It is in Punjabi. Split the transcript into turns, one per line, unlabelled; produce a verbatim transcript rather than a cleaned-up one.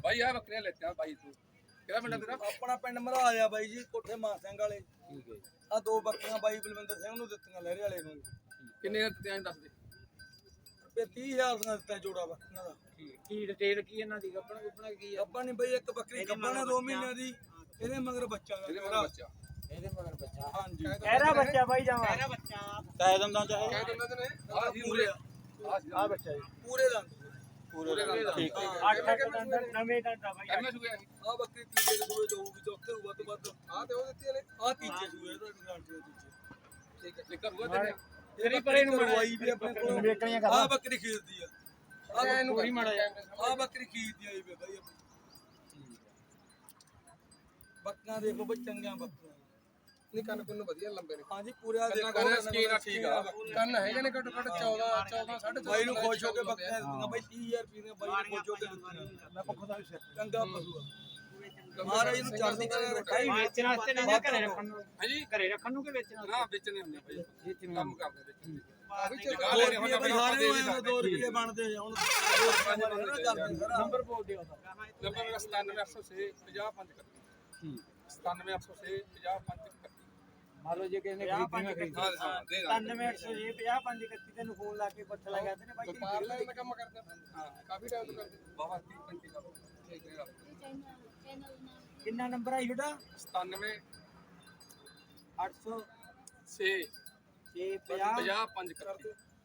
ਬਾਈ ਆ ਬੱਕਰੀਆਂ ਲੈਤੀਆਂ ਬਾਈ ਤੂੰ ਕਿਹੜਾ ਪਿੰਡ ਤੇਰਾ?
ਆਪਣਾ ਪਿੰਡ ਮਰਾਜ ਆ ਬਾਈ ਜੀ, ਕੋਠੇ ਮਾਨ ਸਿੰਘ ਵਾਲੇ।
ਠੀਕ ਹੈ
ਆ ਦੋ ਬੱਕਰੀਆਂ ਬਾਈ ਬਲਵਿੰਦਰ ਸਿੰਘ ਨੂੰ ਦਿੱਤੀਆਂ, ਲਹਿਰੇ ਵਾਲੇ ਨੂੰ।
ਕਿੰਨੇ ਦਿੱਤੀਆਂ ਦੱਸ ਦੇ।
ਰੁਪਏ ਤੀਹ ਹਜ਼ਾਰ ਦੀਆਂ ਦਿੱਤਾ ਜੋੜਾ ਬੱਕਰੀਆਂ ਦਾ।
ਕੀ ਡਿਟੇਲ ਕੀ ਇਹਨਾਂ ਦੀ ਗੱਪਣ ਗੁੱਪਣਾ ਕੀ ਆ?
ਆਪਾਂ ਨਹੀਂ ਬਈ ਇੱਕ ਬੱਕਰੀ ਗੱਭਣ ਆ ਦੋ ਮਹੀਨਿਆਂ ਦੀ, ਇਹਦੇ ਮਗਰ ਬੱਚਾ ਗਾ।
ਇਹਦੇ ਮਗਰ ਬੱਚਾ
ਇਹਦੇ ਮਗਰ ਬੱਚਾ।
ਹਾਂਜੀ
ਇਹਦਾ ਬੱਚਾ ਬਾਈ ਜਾਵਾ ਇਹਦਾ ਬੱਚਾ
ਕਾਇ ਦੰਦਾਂ ਚਾਹੇ
ਕਹਿ ਦਿੰਦੇ ਤੇ ਨੇ ਆ
ਪੂਰੇ
ਆ ਬੱਚਾ ਜੀ
ਪੂਰੇ ਦੰਦ
ਪੂਰੇ ਦਾ ਠੀਕ
ਅੱਠ ਅੱਠ ਦੰਦ ਨਵੇਂ ਦੰਦ ਆ ਬਾਈ।
ਐਵੇਂ ਸੁਗਿਆ ਸੀ
ਆ ਬੱਕਰੀ ਤੀਜੇ ਦੇ ਸੂਏ ਜਾਊਗੀ, ਚੌਥੇ ਨੂੰ ਵੱਧ ਵੱਧ।
ਆ ਤੇ ਉਹ ਦਿੱਤੀ ਨੇ
ਆ ਤੀਜੇ ਸੂਏ ਦਾ ਗਾਰੰਟੀ ਦੇ ਤੀਜੇ।
ਠੀਕ ਹੈ ਲਿਖਰ ਹੋਇਆ ਤੇਰੇ
ਤੇਰੀ ਪਰੇ ਨੂੰ ਮਰਵਾਈ ਵੀ ਆਪਣੇ ਕੋਲ
ਵੇਚਣੀਆਂ ਕਰ
ਆ ਬੱਕਰੀ ਖੀਰਦੀ ਆ।
ਆ ਇਹਨੂੰ
ਪੂਰੀ ਮਾੜਾ ਜਾ
ਆ ਬੱਕਰੀ ਖੀਰਦੀ ਆਈ ਵੇ ਬਾਈ ਆਪਣੀ। ਬੱਕਰੀਆਂ ਦੇਖੋ ਬਈ ਚੰਗੀਆਂ ਬੱਕਰੀਆਂ।
ਨਹੀਂ ਕੰਨ ਕੁੰਨ ਵਧੀਆ ਲੰਬੇ ਨੇ
ਹਾਂਜੀ ਪੂਰੇ ਆ
ਕੰਨਾਂ
ਦੇਖੋ
ਕੰਨ ਸਕੀਨ ਆ ਠੀਕ ਆ ਕੰਨ ਹੈਗੇ ਨੇ ਘੱਟੋ ਘੱਟ ਚੌਦਾਂ ਚੌਦਾਂ ਸਾਢੇ ਚੌਦਾਂ
ਬਾਈ ਨੂੰ ਖੁਸ਼ ਹੋ ਕੇ ਬੱਕਰੀਆਂ ਦਿੱਤੀਆਂ ਬਾਈ ਤੀਹ ਹਜ਼ਾਰ ਰੁਪਏ ਦੀਆਂ ਬਾਈ ਨੂੰ ਖੁਸ਼ ਹੋ ਕੇ ਦਿੱਤੀਆਂ।
ਮੈਂ ਪੱਖੋਂ ਦਾ ਵੀ ਸਿਰ
ਚੰਗਾ ਪਸ਼ੂ ਆ। ਮਹਾਰਾਜ ਨੂੰ ਚੜ੍ਹਦੀ ਕਲਾ ਰੱਖਾਈ।
ਵੇਚਣ ਵਾਸਤੇ ਨਹੀਂ ਘਰੇ ਰੱਖਣ ਨੂੰ।
ਹਾਂਜੀ
ਘਰੇ ਰੱਖਣ ਨੂੰ ਕਿ ਵੇਚਣ ਵਾਸਤੇ?
ਨਾ ਵੇਚਣੇ ਹੁੰਦੇ ਬਾਈ ਕੰਮ ਕਰਦੇ ਵੇਚਣੇ ਆ ਵੀ
ਦੋ
ਚਗਾ ਲੈਣੇ
ਰੁਪਏ
ਹੁਣ
ਬਈ ਸਾਰੇ ਨੂੰ ਦੋ ਰੁਪਏ ਬਣਦੇ ਆ ਹੁਣ। ਦੋ ਰੁਪਏ ਨਾ ਕਰਦੇ ਸਾਰਾ।
ਨੰਬਰ ਬੋਲ ਦਿਓ ਉਹਦਾ।
ਨੰਬਰ ਮੇਰਾ ਸਤਾਨਵੇਂ ਅੱਠ ਸੌ ਛੇ ਪੰਜਾਹ ਪੰਜ ਇਕੱਤੀ ਸਤਾਨਵੇਂ ਅੱਠ ਸੌ ਛੇ ਪੰਜਾਹ ਪੰਜ ਇਕੱਤੀ
ਮੰਨ ਲਓ ਜੇ ਕਿਸੇ ਨੇ ਖਰੀਦਣਾ ਖਰੀਦ
ਹਾਂ ਹਾਂ ਦੇ ਦਾਂਗੇ
ਸਤਾਨਵੇਂ ਅੱਠ ਸੌ ਛੇ ਪੰਜਾਹ ਪੰਜ ਇਕੱਤੀ ਤੈਨੂੰ ਫੋਨ ਲਾ ਕੇ ਪੁੱਛ ਲਿਆ ਕਹਿੰਦੇ ਨੇ ਬਾਈ
ਵਪਾਰ ਲੈਣ ਦਾ ਕੰਮ ਕਰਦੇ ਹਾਂ ਕਾਫੀ ਟਾਈਮ ਤੋਂ ਕਰਦੇ ਬਾਬਾ ਤੀਹ ਪੈਂਤੀ ਸਾਲ ਠੀਕ ਹੈ
ਕਿੰਨਾ ਨੰਬਰ ਆ ਤੁਹਾਡਾ?
ਸਤਾਨਵੇਂ
ਅੱਠ ਸੌ
ਛੇ
ਛੇ ਪੰਜਾਹ
ਪੰਜਾਹ ਪੰਜ ਇਕੱਤੀ